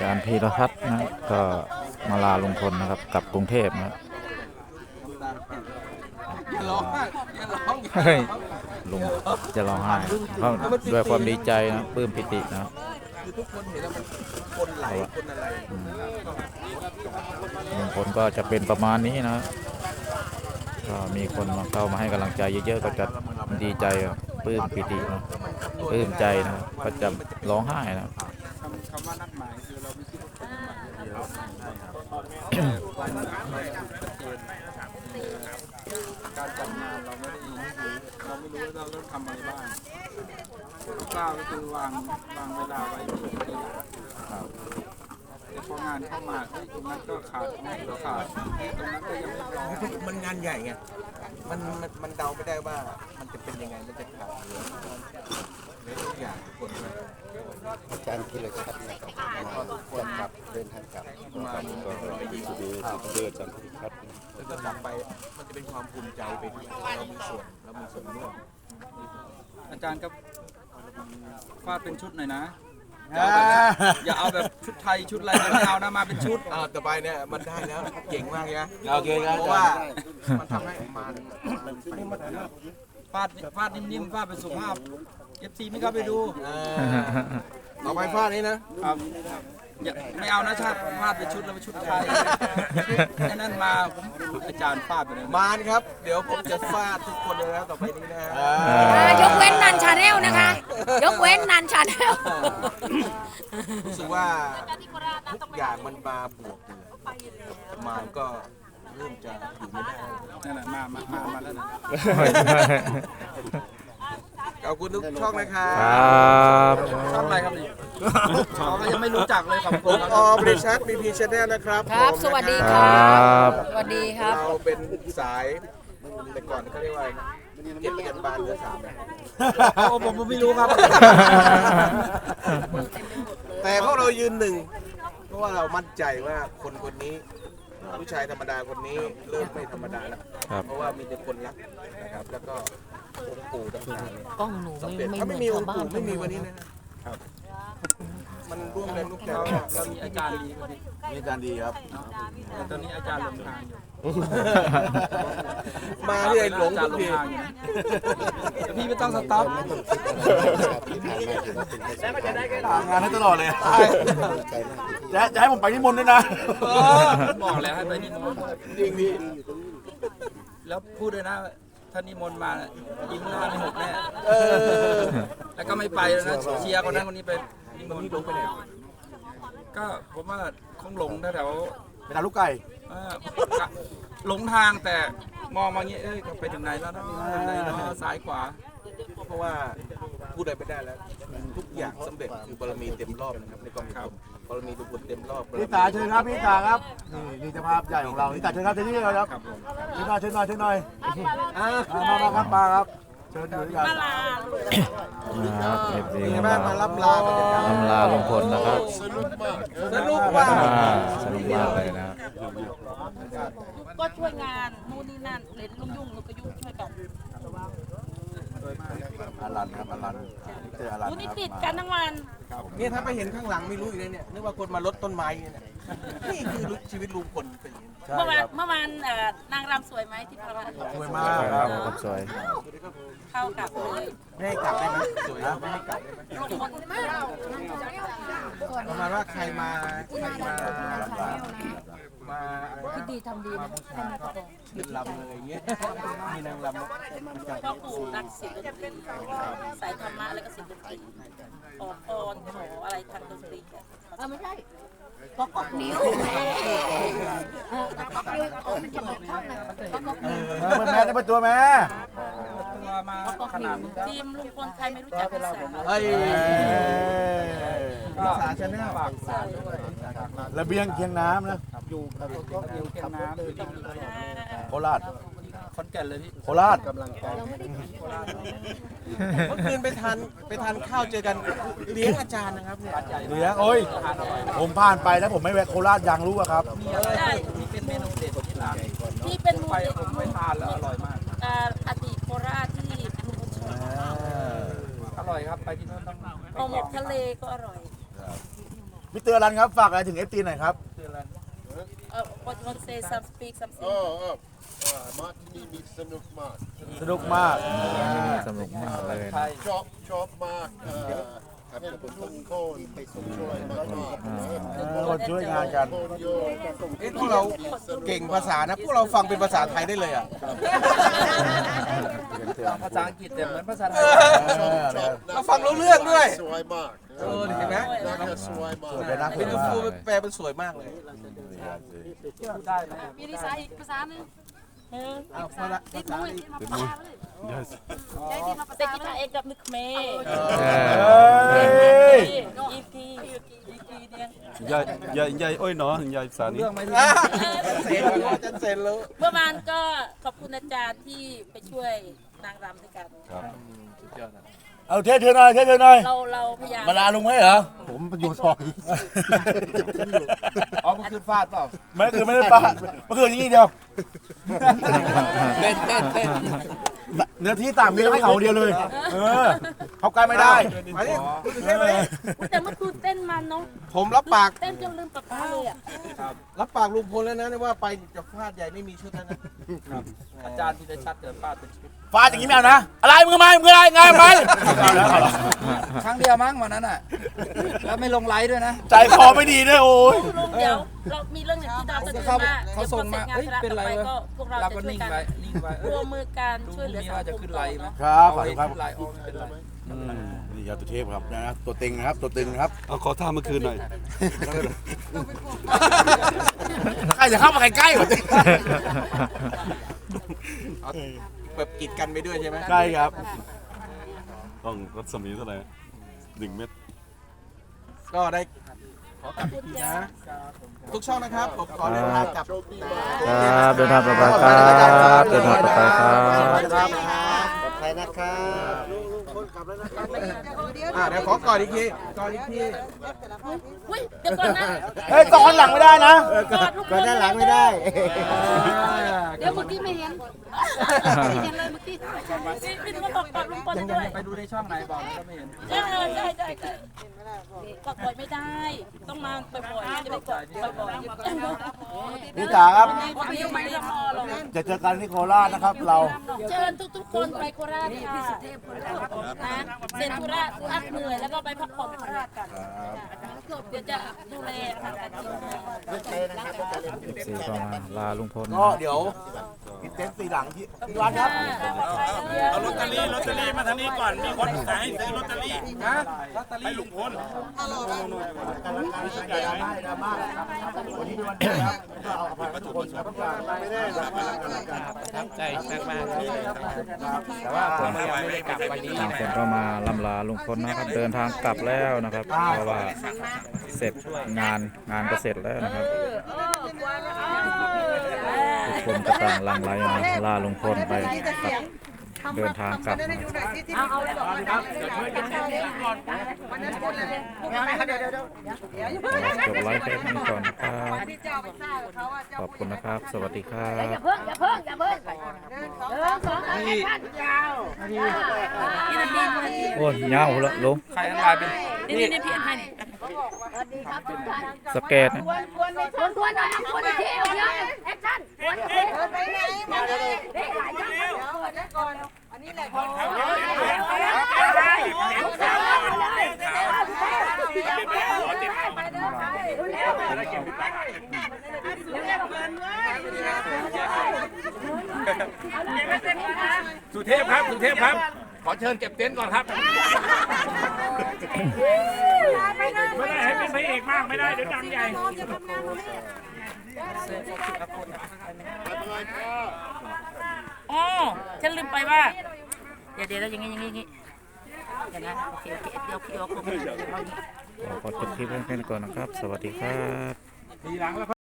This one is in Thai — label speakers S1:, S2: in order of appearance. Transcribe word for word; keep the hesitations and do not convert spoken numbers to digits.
S1: จารย์พีรพัฒน์นะก็มาลาลุงพลนะครับกลับกรุงเทพนะเฮ้ยลุงจะร้องไห้เพราะด้วยความดีใจนะปลื้มปิตินะ
S2: ทุกคนเห็นแล้วมันคนไหลคนอะไร
S1: ลุงพลก็จะเป็นประมาณนี้นะก็มีคนมาเข้ามาให้กำลังใจเยอะๆก็จะดีใจปลื้มปิตินะปลื้มใจนะก็จะร้องไห้นะ
S2: คำว่านัดหมายคือเราไม่คิดว่าคนเดียวการจัดงานเราไม่ได้เราไม่รู้ว่าเราต้องทำอะไรบ้างกล้าก็คือวางวางเวลาไว้ที่ตัวอย่างแต่พองานเข้ามาตรงนั้นก็ขาดตรงนี้ก็ขาดตรงนั้นก็ยังไม่พร้อมมันงานใหญ่ไงมันมันเดาไม่ได้ว่ามันจะเป็นยังไงมันจะขาดเหลือในทุกอย่างคนเลย
S3: อาจารย์พีรพัฒน์นะครับจะกลับเดินทางกลับมาก็ดีสุดดีสุดเดือดอาจารย์พีรพัฒน์
S2: แล้วก็กลับไปมันจะเป็นความภูมิใจไปด้วยเรามีส่วนเรามีส่วนร่วมอาจารย์ก็ฟาดเป็นชุดหน่อยนะอย่าเอาแบบชุดไทยชุดอะไรไม่เอานะมาเป็นชุดอ่าต่อไปเนี่ยมันได้แล้วเก่งมากนะโอเคครับเพราะว่ามันทำให้มาฟาดฟาดนิ่มๆฟาดเป็นสุภาพเอฟซีไม่เข้าไปดูต่อไปฟาดนี้นะครับอย่าไม่เอานะชาติฟาดเป็นชุดแล้วเป็นชุดไทยแค่นั้นมาอาจารย์ฟาดไปเลยมาครับเดี๋ยวผมจะฟาดทุกคนเลยนะต่อไปนี้นะ
S4: ยกเว้นนันชาแนลนะคะยกเว้นนันชาแนล
S2: รู้สึกว่าทุกอย่างมันมาบวกมาก็เริ่มจะอยู่ไม่ได้นั่นแหละมามามามาแล้วนะขอบคุณทุกช่องนะครับช่องอะไรครับนี่ช่องก็ยังไม่รู้จักเลยขอบคุณออบริชัทบีพีชแนลนะครับ
S4: ครับสวัสดีครับสวัสดีครับ
S2: เราเป็นสายแต่ก่อนเขาเรียกว่าเจ็ดเจ็ดบานเรือสามโอ้ผมไม่รู้ครับแต่พวกเรายืนหนึ่งเพราะว่าเรามั่นใจว่าคนคนนี้ผู้ชายธรรมดาคนนี้เริ่มไม่ธรรมดาแล้วเพราะว่ามีแต่คนรักนะครับแล้วก็องค์ปู่ต่างๆเนี่ย
S4: กล้องหนูไม่
S2: ถ้าไม่มีองค์ปู่ไม่มีวันนี้นะครับมันร่วมแรงร่วมใจเรามีอาจารย์ดีมีอาจารย์ดีครับตอนนี้อาจารย์หลงทางอยู่มาที่ไหนหลงทุกทีพี่ไม่ต้องสต็อปงานให้ตลอดเลยจะจะให้ผมไปนิมนต์ด้วยนะบอกแล้วให้ไปนิมนต์จริงพี่แล้วพูดเลยนะท่านนิมนต์มายิ้มหน้าไม่หกแน่แล้วก็ไม่ไปแล้วนะเชียร์คนนั้นคนนี้ไปนิมนต์ลงไปไหนก็ผมว่าคงหลงแถวไปทางลูกไก่หลงทางแต่มองมาเงี้ยเอ้ยไปถึงไหนแล้วนะซ้ายขวาเพราะว่าพูดอะไรไม่ได้แล้วทุกอย่างสำเร็จคือบารมีเต็มรอบนะครับในกองทัพบารมีทุกคนเต็มรอบพี่ตาเชิญครับพี่ตาครับนี่นี่เจ้าภาพใหญ่ของเราพี่ตาเชิญครับเชิญนี่เลยครับเชิญหน่อยเชิญหน่อยเชิญหน่อยมามาครับมาครับเชิญอยู่ด้วยกัน
S1: ครับเอฟซี
S2: มามารับลา
S1: รับลาลุงพลนะครับ
S2: สนุกมาก
S1: สนุกมากเลยนะ
S4: ก็ช่วยงานนู่นนี่นั่นเล่นลุ่มยุ่งแล้วก็ยุ่งช่วยกัน
S2: อารันครับอารันเจออารัน
S4: นี่ติดกันทั้งวัน
S2: เนี่ยถ้าไปเห็นข้างหลังไม่รู้อีกเลยเนี่ยนึกว่าคนมาลดต้นไม้เนี่ยนี่คือชีวิตลุงพลเป็นอย่างนี้
S4: เมื่อวานเมื่อวานนางรำสวยไหมที่พระราช
S2: สวยมากครับ
S1: สวย
S4: เข้ากับเลย
S2: ไม่ให้กลับได้ไหมสวยไม่ให้กลับได้ไหมประมาณว่าใครมาใครมามา
S4: คิดดีทำดีนะ
S2: ขึ้นลำเลยอย่างเงี้ยมีนางลำ
S4: พ่อปู่รักศิลป์สายธรรมะแล้วก็ศิลป์ขอพรขออะไรทางดนตรีเออไม่ใช่ก็กอกนิ้วก็กนิ้วโอ้มันจะบอกช่องนะก็กนิ้ว
S2: มันแม่ได้ประตัวแม่
S4: มาขนาดทีมลุงพลใครไม่รู้จักภาษา
S2: เฮ้ยภาษาชนะระเบียงเคียงน้ำนะอยู่กับก็เคียงน้ำโคราชขอนแก่นเลยพี่โคราชกำลังใจเมื่อคืนไปทานไปทานข้าวเจอกันเลี้ยงอาจารย์นะครับเนี่ยเลี้ยงโอ้ยผมผ่านไปแล้วผมไม่แวะโคราชยังรู้อะครับมีอะไรที่เป็นเมนูเด็ดที่ร้าน
S4: ที่เป็น
S2: ไปผมไปทานแล้วอร่อยมาก
S4: อดีตโคราชที่ลุงพลชอบ
S2: อร่อยครับไปที่โน่นต้อง
S4: ห่อหมกทะเลก็อร่อย
S5: พี่เตือนรันครับฝากอะไรถึงเอฟซีหน่อยครับ
S4: เออ what you want to say some speak something
S3: โอ้โอ้มาที่นี่มีสนุกมาก
S5: สนุกมาก
S1: สนุกมากเลย
S2: ไท
S1: นะ
S2: ย
S3: ชอบชอบมากเอ่อครับทุกคนไปส่งช่วยมากมาก
S5: คนช่วยงานกัน
S3: คนโย
S6: เอ๊ะพวกเราเก่งภาษานะ พวกเราฟังเป็นภาษาไทยได้เลยอ่ะ
S2: ภาษาอังกฤษแต่เหมือนภาษาไทย
S3: ชอบ
S6: เราฟังรู้เรื่องด้วย
S3: สวยมาก
S6: เออเห็นไหม
S3: น่าจะสวยมาก
S5: เป็นนัก
S6: เป็น
S5: มาก
S6: ฟูแปลเป็นสวยมากเลย
S2: ได้ไหม
S7: มีดีไซน์อีกภาษาหนึ่ง
S4: เออ
S6: เอาภาษา
S7: ติดมือติดมาภาษาเลยใช้ติดมาภา
S4: แต่
S7: ษา
S4: กีตาร์เอกกับนึกเมย์
S5: เฮ้ย
S4: อีพีอีพีเนี่ย
S8: อย่าอย่าอย่าโอ้ยเนาะอย่าสารนี้
S2: เรื่องไม่ดี
S6: เซ็นรู้อาจารย์เซ็นรู้
S4: เมื่อวานก็ขอบคุณอาจารย์ที่ไปช่วยนางรำด้วยกัน
S5: เอาเทสเธอหน่อยเทสเธอหน่อย
S4: เราเราพยายาม
S5: มาลาลุงไหมเหรอ
S3: ผมอยู่ซอย
S2: อ๋อมันคือฟาดเปล่า
S5: ไม่คือไม่ได้ปะเมื่อคืนนี้เดียว
S2: เต้นเต้นเต้น
S5: เนื้อที่ต่างมีให้เขาเดียวเลย เออเขาใกล้ไม่ได้
S6: มาดิเต้นมาดิ
S4: แต่เมื่อคืนเต้นมันเนาะ
S6: ผมรับปาก
S4: เต้นจนลืมปากกาเลยอ่ะ
S6: รับปากลุงพลแล้วนะว่าไปจะฟาดใหญ่ไม่มีชุดแล้วนะ
S2: อาจารย์ที่ได้ชัดเกิดฟาดเป็นชุด
S5: ฟาดอย่างนี้ไม่เอานะ อะไรมึงทำไมมึงอะไรไงไปเอาแล้วเอาแล้ว
S2: ครั้งเดียวมั้งวันนั้นอ่ะ แล้วไม่ลงไลฟ์ด้วยนะ
S5: ใจคอไม่ดีด้วยโอ้ย
S4: ลุงเดี๋ยวเรามีเรื่องหนึ่งที่เราจะคุยว่า
S2: เขาส่งมา
S4: เดี๋ยวพอเสร็จงาน
S2: เอ้ยเป็นไร
S4: ต่อไป
S2: วะ
S4: ก็พวกเรา
S2: เรา
S4: จะ
S2: ก็
S4: ช่วย
S2: นิ่ง
S4: กัน
S2: ไว้นิ่งไว้เอ
S4: ร่ว
S2: อ
S4: มมือกัน
S2: ดู
S4: ช่วยเหลือ
S2: นี่
S4: สัง
S2: ว่าจะ
S4: คม
S2: ขึ้น
S4: ต่
S2: ไล
S4: อ
S2: ฟ์ไหม
S4: เนาะ
S5: ครับขอบ
S2: เอา
S5: คุณครับ
S2: ขึ้นไลฟ์ออกไม่เป็นไร
S5: นี่ยาตุเทพครับนะตัวตึงนะครับ ตัวตึงนะครับ
S8: เอาขอท่าเมื่อคืนหน่อย
S5: ใครจะเข้ามาใกล้ๆกว่า
S6: แบบกีดกันไปด้วยใช่ไหม
S5: ใกล้ครับ
S8: ต้องรัศมีเท่าไหร่หนึ่งเม็ด
S6: ก็ได้ขอกลับอีกทีนะ ทุกช่องนะครับผมขอเดินทางกลับ
S1: ครับเดินทางปลอดภัยครับเดินทางปลอดภัยครับ
S3: ปลอดภัยนะครับ
S6: อ่าเดี๋ยวขอกอดอีกทีกอดอีกที
S4: อุ้ยเดี๋ยวก่อนนะ
S5: เฮ้ยตอนหลังไม่ได้นะ
S4: กอดลูก
S3: ก็ด้านหลังไม่ได้
S7: เดี๋ยวเมื่อกี้ไม่เห็นไม่เห็นเลยเมื่อกี้
S4: พี่พี่ต้องบอกกอดลุงพลด้วย
S2: ไปดูในช่องไหนบอกแล้วก็ไม่เห็น
S4: ใช่ใช่ใช่ใช่กอดบ่อยไม่ได้ ต้องมาบ่อยๆจะได้กอดบ่อยๆ
S5: พี่จ๋าครับ
S4: วันนี้ไม่ได้พอหรอก
S5: จะเจอกันที่โคราชนะครับ เรา
S4: เชิญทุกๆคนไปโคราชค่ะนะเสร็จธุระพักเหนื่อยแล้วก็ไปพักผ่อนโคราชกันเดี๋ยวจะดูแลค่ะการกิน
S1: เอฟซีก็มาลาลุงพล
S5: ก็เดี๋ยวกินเต็นท์สีหลังที่ที่ร้านครับ
S4: เอาลอตเตอรี่
S9: ลอตเตอรี่มาทางนี้ก่อน มีคนขายให้ซื้อลอตเตอรี่
S2: นะลอตเตอ
S9: ให้
S2: รี่
S9: ลุงพล
S5: วันนี้เป็นวันเดียวครับเอาไปทุกคนครับไม่ได้
S9: ใจมากๆที่
S5: แต่ว่าผม
S9: ยังไม่ได้กลับไปนี้
S1: ทางคนก็มาลำลาลุงพลนะครับ เดินทางกลับแล้วนะครับ เพราะว่าเสร็จงานงานก็เสร็จแล้วนะครับทุกคนก็ต่างหลังไหลมาลาลุงพลไปครับเดินทางกลับนะครับ
S7: เอาเอาเลยบอก
S1: จบไลฟ์แค่นี้ก่อนนะครับขอบคุณนะครับ สวัสดีครับ
S7: อย่าเพิ่งอย่าเพิ่งอย่าเพิ่งเดินสองอันนี้ยาว
S4: นี่นาทีนาที
S1: โอ้ยยาวละลุง
S2: ใครอันไลน์เป็น
S4: นี่นี่นี่พี่อันให้นี่
S7: สวัสดีครับทุกท่าน
S1: สเกตนะ
S7: ควรควรไม่ควรควรหน่อยควรอีกทีเอาเยอะแอคชั่นควรอีกทีไปไหนมาเลยเฮ้ยหลายจังเลยก่อนอันนี้แหละก่อนไปเดินไป
S9: สุเทพครับ สุเทพครับ ขอเชิญเก็บเต็นท์ก่อนครับ ไม่ได้ให้เป็นพระเอกมากไม่ได้เดี๋ยวดังใหญ่
S4: อ๋อฉันลืมไปว่า เดี๋ยวเดี๋ยวแล้วอย่างงี้อย่างงี้อย่างงี้เดี๋ยวนะโอเคโอเคเดี๋ยวพี่เอาของ
S1: ขอจบคลิปแค่นี้ก่อนนะครับ สวัสดีครับ